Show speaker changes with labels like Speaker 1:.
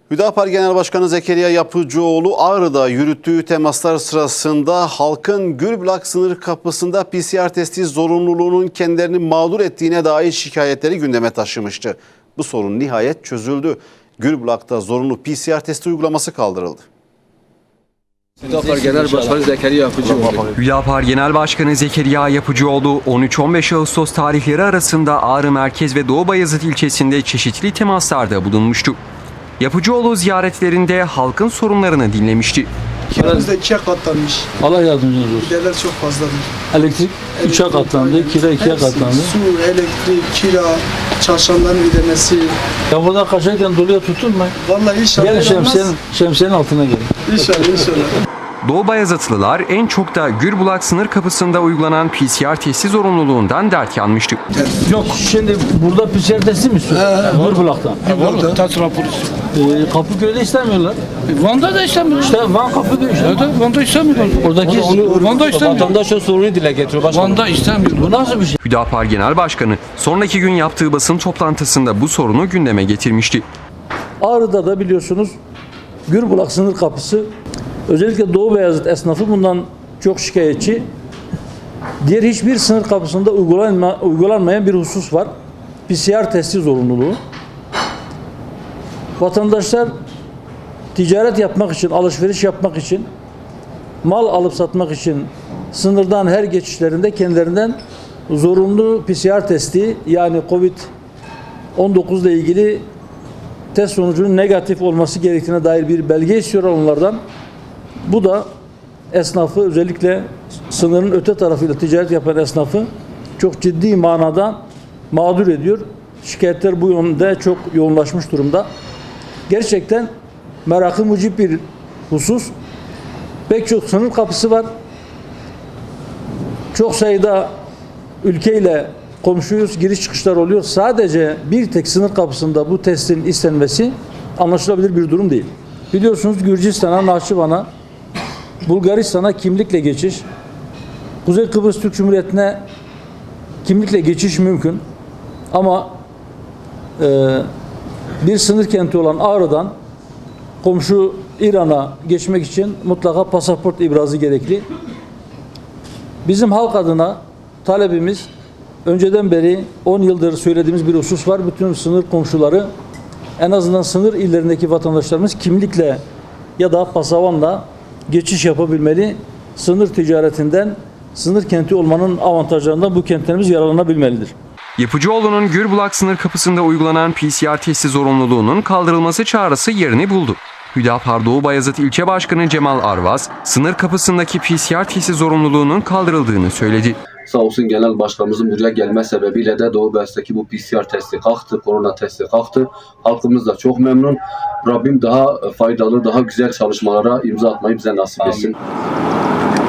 Speaker 1: Hüdapar Genel Başkanı Zekeriya Yapıcıoğlu Ağrı'da yürüttüğü temaslar sırasında halkın Gürbulak sınır kapısında PCR testi zorunluluğunun kendilerini mağdur ettiğine dair şikayetleri gündeme taşımıştı. Bu sorun nihayet çözüldü. Gürbulak'ta zorunlu PCR testi uygulaması kaldırıldı.
Speaker 2: Hüdapar Genel Başkanı Zekeriya Yapıcıoğlu.
Speaker 3: Hüdapar Genel Başkanı Zekeriya Yapıcıoğlu 13-15 Ağustos tarihleri arasında Ağrı Merkez ve Doğu Bayazıt ilçesinde çeşitli temaslarda bulunmuştu. Yapıcıoğlu ziyaretlerinde halkın sorunlarını dinlemişti.
Speaker 4: Kiramız da 2'ye katlanmış.
Speaker 5: Allah yardımcınız olsun.
Speaker 4: Giderler çok fazladır.
Speaker 5: Elektrik 3'e katlandı, kira 2'ye
Speaker 4: Hepsi,
Speaker 5: katlandı.
Speaker 4: Su, elektrik, kira, çarşamların ödemesi.
Speaker 5: Ya burada kaçarken doluya tutulma.
Speaker 4: Vallahi inşallah.
Speaker 5: Gel şemsiyenin altına gelin.
Speaker 4: İnşallah inşallah.
Speaker 3: Doğu Bayazıtlılar en çok da Gürbulak sınır kapısında uygulanan PCR testi zorunluluğundan dert yanmıştı.
Speaker 5: Yok şimdi burada PCR testi mi istiyorsun? Gürbulak'tan.
Speaker 6: Tat raporu.
Speaker 5: Kapıköy'de istemiyorlar.
Speaker 6: Van'da da istemiyor.
Speaker 5: İşte Van Kapıköy işte.
Speaker 6: Evet, Van'da istemiyorlar.
Speaker 5: Oradaki
Speaker 6: Van'da istemiyor.
Speaker 5: vatandaşın sorunu dile getiriyor başkanım.
Speaker 6: Van'da istemiyor.
Speaker 5: Bu nasıl bir şey?
Speaker 3: Hüdapar Genel Başkanı sonraki gün yaptığı basın toplantısında bu sorunu gündeme getirmişti.
Speaker 5: Ağrı'da da biliyorsunuz Gürbulak sınır kapısı, özellikle Doğu Beyazıt esnafı bundan çok şikayetçi. Diğer hiçbir sınır kapısında uygulanmayan bir husus var. PCR testi zorunluluğu. Vatandaşlar ticaret yapmak için, alışveriş yapmak için, mal alıp satmak için sınırdan her geçişlerinde kendilerinden zorunlu PCR testi, yani Covid-19 ile ilgili test sonucunun negatif olması gerektiğine dair bir belge istiyorlar onlardan. Bu da esnafı, özellikle sınırın öte tarafıyla ticaret yapan esnafı çok ciddi manada mağdur ediyor. Şikayetler bu yönde çok yoğunlaşmış durumda. Gerçekten merakı mucib bir husus. Pek çok sınır kapısı var. Çok sayıda ülkeyle komşuyuz, giriş çıkışlar oluyor. Sadece bir tek sınır kapısında bu testin istenmesi anlaşılabilir bir durum değil. Biliyorsunuz Gürcistan'a, Nahçıvan'a, Bulgaristan'a kimlikle geçiş, Kuzey Kıbrıs Türk Cumhuriyeti'ne kimlikle geçiş mümkün. Ama bir sınır kenti olan Ağrı'dan komşu İran'a geçmek için mutlaka pasaport ibrazı gerekli. Bizim halk adına talebimiz, önceden beri 10 yıldır söylediğimiz bir husus var. Bütün sınır komşuları, en azından sınır illerindeki vatandaşlarımız kimlikle ya da pasavanla geçiş yapabilmeli. Sınır ticaretinden, sınır kenti olmanın avantajlarından bu kentlerimiz yararlanabilmelidir.
Speaker 3: Yapıcıoğlu'nun Gürbulak sınır kapısında uygulanan PCR testi zorunluluğunun kaldırılması çağrısı yerini buldu. Hüdapar Doğu Bayazıt İlçe Başkanı Cemal Arvaz, sınır kapısındaki PCR testi zorunluluğunun kaldırıldığını söyledi.
Speaker 2: Sağ olsun Genel Başkanımızın buraya gelme sebebiyle de Doğu Bayazıt'taki bu PCR testi kalktı, korona testi kalktı. Halkımız da çok memnun. Rabbim daha faydalı, daha güzel çalışmalara imza atmayı bize nasip etsin.